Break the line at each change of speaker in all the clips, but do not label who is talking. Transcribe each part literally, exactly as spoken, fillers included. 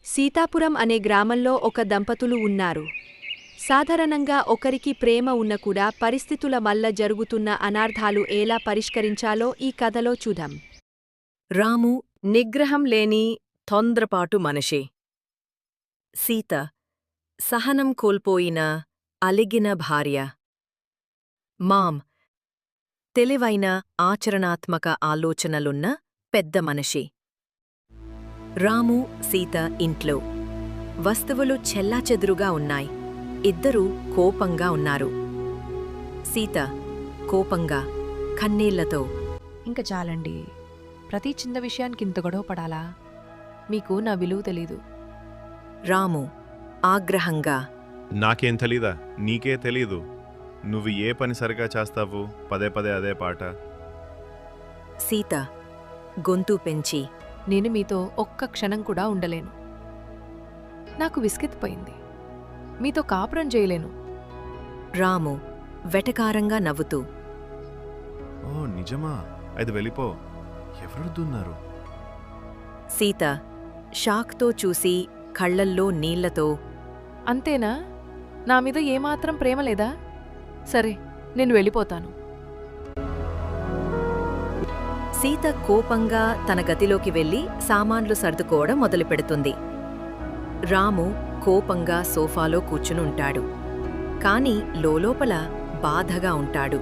సీతాపురం అనే గ్రామంలో ఒక దంపతులు ఉన్నారు. సాధారణంగా ఒకరికి ప్రేమ ఉన్న కూడా పరిస్థితుల వల్ల జరుగుతున్న అనార్థాలు ఎలా పరిష్కరించాలో ఈ కథలో చూద్దాం.
రాము నిగ్రహం లేని తొందరపాటు మనిషి. సీత సహనం కోల్పోయిన అలిగిన భార్య. మామ్ తెలివైన ఆచరణాత్మక ఆలోచనలున్న పెద్ద మనిషి. రాము సీత ఇంట్లో. వస్తువులు చెల్లాచెదురుగా ఉన్నాయి. ఇద్దరూ కోపంగా ఉన్నారు. సీత కోపంగా కన్నీళ్లతో,
ఇంక చాలండి. ప్రతి చిన్న విషయానికి ఇంత గొడవ పడాలా? మీకు నా విలువ తెలీదు.
రాము ఆగ్రహంగా,
నాకేం తెలీదా? నీకే తెలీదు. నువ్వు ఏ పని సరిగా చేస్తావు? పదే పదే అదే పాట.
సీత గొంతు పెంచి,
నేను మీతో ఒక్క క్షణం కూడా ఉండలేను. నాకు విసుగెత్తిపోయింది. మీతో కాపురం చేయలేను.
రాము వెటకారంగా నవ్వుతూ,
ఓ నిజమా? అది వెళ్ళిపో. ఎవరుద్దున్నారు?
సీత షాక్తో చూసి కళ్లల్లో నీళ్లతో,
అంతేనా? నా మీద ఏమాత్రం ప్రేమ లేదా? సరే, నేను వెళ్ళిపోతాను.
సీత కోపంగా తన గదిలోకి వెళ్లి సామాన్లు సర్దుకోవడం మొదలుపెడుతుంది. రాము కోపంగా సోఫాలో కూర్చునుంటాడు. కాని లోలోపల బాధగా ఉంటాడు.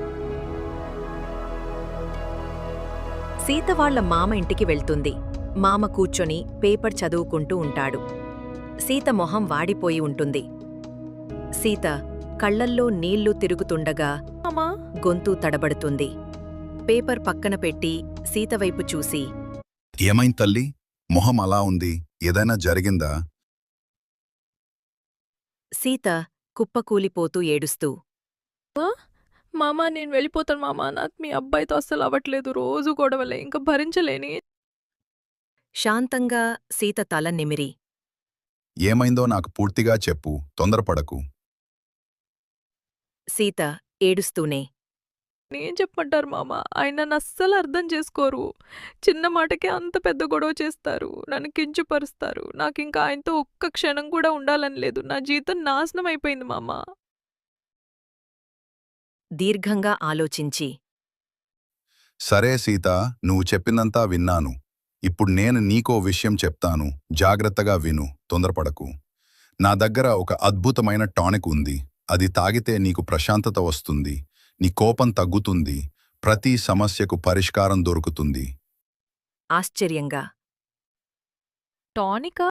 సీత వాళ్ల మామ ఇంటికి వెళ్తుంది. మామ కూర్చొని పేపర్ చదువుకుంటూ ఉంటాడు. సీత మొహం వాడిపోయి ఉంటుంది. సీత కళ్లల్లో నీళ్లు తిరుగుతుండగా
అమ్మా,
గొంతు తడబడుతుంది. పేపర్ పక్కన పెట్టి సీతవైపు చూసి,
ఏమైంది తల్లి? మొహం అలా ఉంది, ఏదైనా జరిగిందా?
సీత కుప్పకూలిపోతూ ఏడుస్తూ,
మామా నేను వెళ్ళిపోతాను మామా. నాకు మీ అబ్బాయితో అస్సలు అవ్వట్లేదు. రోజు గొడవలే, ఇంకా భరించలేని.
శాంతంగా సీత తల నిమిరి,
ఏమైందో నాకు పూర్తిగా చెప్పు, తొందరపడకు.
సీత ఏడుస్తూనే,
ఏం చెప్పమంటారు మామా? ఆయన నన్ను అస్సలు అర్థం చేసుకోరు. చిన్న మాటకే అంత పెద్ద గొడవ చేస్తారు. నన్ను కించపరుస్తారు. నాకు ఇంకా ఆయనతో ఒక్క క్షణం కూడా ఉండాలని లేదు. నా జీవితం నాశనం అయిపోయింది మామా.
దీర్ఘంగా ఆలోచించి,
సరే సీత, నువ్వు చెప్పిందంతా విన్నాను. ఇప్పుడు నేను నీకో విషయం చెప్తాను, జాగ్రత్తగా విను, తొందరపడకు. నా దగ్గర ఒక అద్భుతమైన టానిక్ ఉంది. అది తాగితే నీకు ప్రశాంతత వస్తుంది, నీ కోపం తగ్గుతుంది, ప్రతి సమస్యకు పరిష్కారం దొరుకుతుంది.
ఆశ్చర్యంగా,
టానికా?